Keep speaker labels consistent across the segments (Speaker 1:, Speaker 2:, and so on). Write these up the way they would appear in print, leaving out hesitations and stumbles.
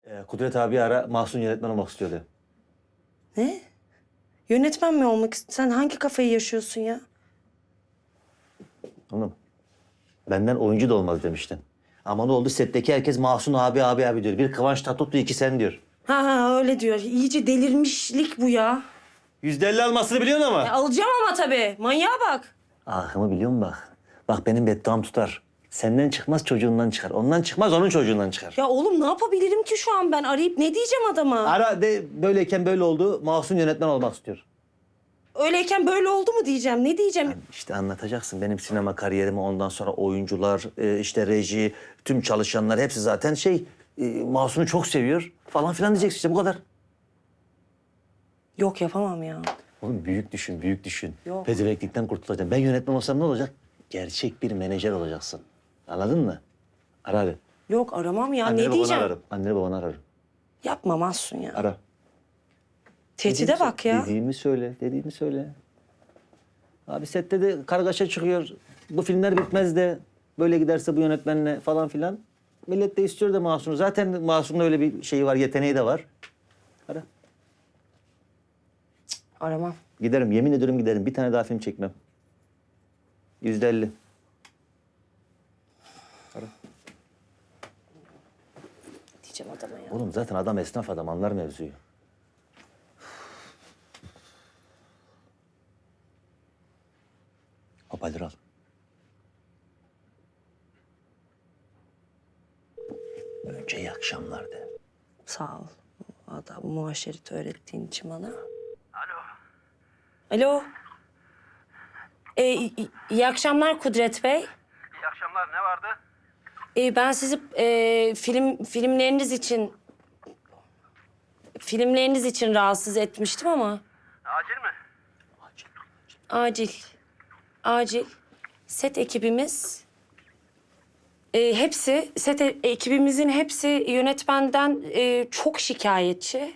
Speaker 1: Kudret abi ara, Mahsun yönetmen olmak istiyordu.
Speaker 2: Ne? Yönetmen mi olmak Sen hangi kafayı yaşıyorsun ya?
Speaker 1: Oğlum, benden oyuncu da olmaz demiştin. Ama ne oldu? Setteki herkes Mahsun abi diyor. Bir Kıvanç Tatlıtuğ, iki sen diyor.
Speaker 2: Ha öyle diyor. İyice delirmişlik bu ya.
Speaker 1: %50 almasını biliyorsun ama.
Speaker 2: Alacağım ama tabii. Manyağa bak.
Speaker 1: Ahımı biliyor musun bak? Bak benim bedduam tutar. Senden çıkmaz çocuğundan çıkar. Ondan çıkmaz onun çocuğundan çıkar.
Speaker 2: Ya oğlum ne yapabilirim ki şu an ben? Arayıp ne diyeceğim adama?
Speaker 1: Ara de böyleyken böyle oldu. Mahsun yönetmen olmak istiyor.
Speaker 2: Öyleyken böyle oldu mu diyeceğim? Ne diyeceğim?
Speaker 1: İşte anlatacaksın benim sinema kariyerimi, ondan sonra oyuncular, işte reji, tüm çalışanlar hepsi zaten Mahsun'u çok seviyor falan filan diyeceksin işte bu kadar.
Speaker 2: Yok yapamam ya.
Speaker 1: Oğlum büyük düşün, büyük düşün.
Speaker 2: Yok.
Speaker 1: Pezevenklikten kurtulacaksın. Ben yönetmen olsam ne olacak? Gerçek bir menajer olacaksın. Anladın mı? Ara hadi.
Speaker 2: Yok aramam ya.
Speaker 1: Anneni
Speaker 2: Ne
Speaker 1: babanı
Speaker 2: diyeceğim?
Speaker 1: ararım. Anneni babanı ararım.
Speaker 2: Yapma Mahsun ya.
Speaker 1: Ara.
Speaker 2: Tehdide bak ya.
Speaker 1: Dediğimi söyle, dediğimi söyle. Abi sette de kargaşa çıkıyor. Bu filmler bitmez de böyle giderse bu yönetmenle falan filan. Millet de istiyor da Mahsun'u. Zaten Mahsun'un öyle bir şeyi var, yeteneği de var. Ara.
Speaker 2: Aramam.
Speaker 1: Giderim, yemin ediyorum giderim. Bir tane daha film çekmem. %50. Ara.
Speaker 2: Diyeceğim adama ya.
Speaker 1: Oğlum zaten adam esnaf adam, anlar mevzuyu. Hoparlör al. Önce iyi akşamlar de.
Speaker 2: Sağ ol. Adam muhaşereti öğrettiğin için bana.
Speaker 3: Alo.
Speaker 2: Alo. İyi akşamlar Kudret Bey.
Speaker 3: İyi akşamlar. Ne vardı?
Speaker 2: Ben sizi filmleriniz için rahatsız etmiştim ama
Speaker 3: Acil mi?
Speaker 2: acil. Set ekibimiz ekibimizin hepsi yönetmenden çok şikayetçi.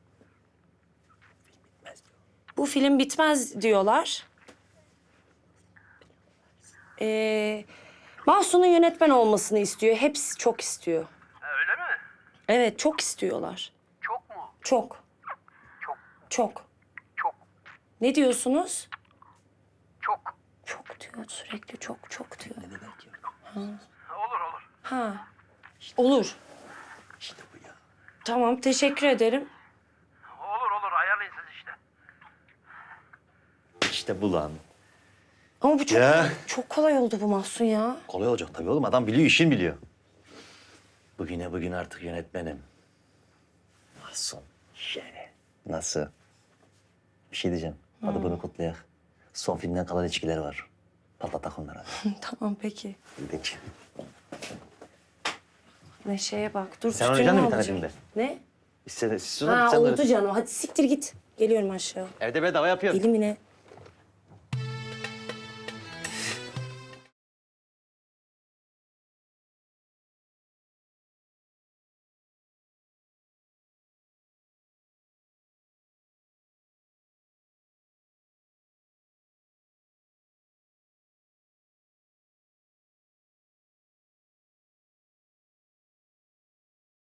Speaker 2: Bu film bitmez diyorlar. Mahsun'un yönetmen olmasını istiyor. Hepsi çok istiyor.
Speaker 3: Öyle mi?
Speaker 2: Evet, çok istiyorlar.
Speaker 3: Çok mu?
Speaker 2: Çok.
Speaker 3: Çok.
Speaker 2: Çok.
Speaker 3: Çok.
Speaker 2: Ne diyorsunuz?
Speaker 3: Çok.
Speaker 2: Çok diyor sürekli çok diyor.
Speaker 3: Olur olur.
Speaker 2: Ha. Olur.
Speaker 1: İşte bu ya.
Speaker 2: Tamam teşekkür ederim.
Speaker 3: Olur ayarlayın siz işte.
Speaker 1: İşte bu lan.
Speaker 2: Ama bu
Speaker 1: Ya.
Speaker 2: çok kolay oldu bu Mahsun ya.
Speaker 1: Kolay olacak tabii oğlum. Adam biliyor, işin biliyor. Bugün artık yönetmenim. Mahsun. Nasıl? Bir şey diyeceğim. Hadi bunu kutlayak. Son filmden kalan içkileri var. Patlatak onlara.
Speaker 2: Tamam peki.
Speaker 1: Peki.
Speaker 2: Neşe'ye bak. Dur
Speaker 1: Sen
Speaker 2: tütünü
Speaker 1: oynayacaksın mı bir tane
Speaker 2: alacağım.
Speaker 1: filmde?
Speaker 2: Ne?
Speaker 1: Siz
Speaker 2: Ha oldu canım. Hadi siktir git. Geliyorum aşağı.
Speaker 1: Evde bedava yapıyorsun.
Speaker 2: Deli mi ne?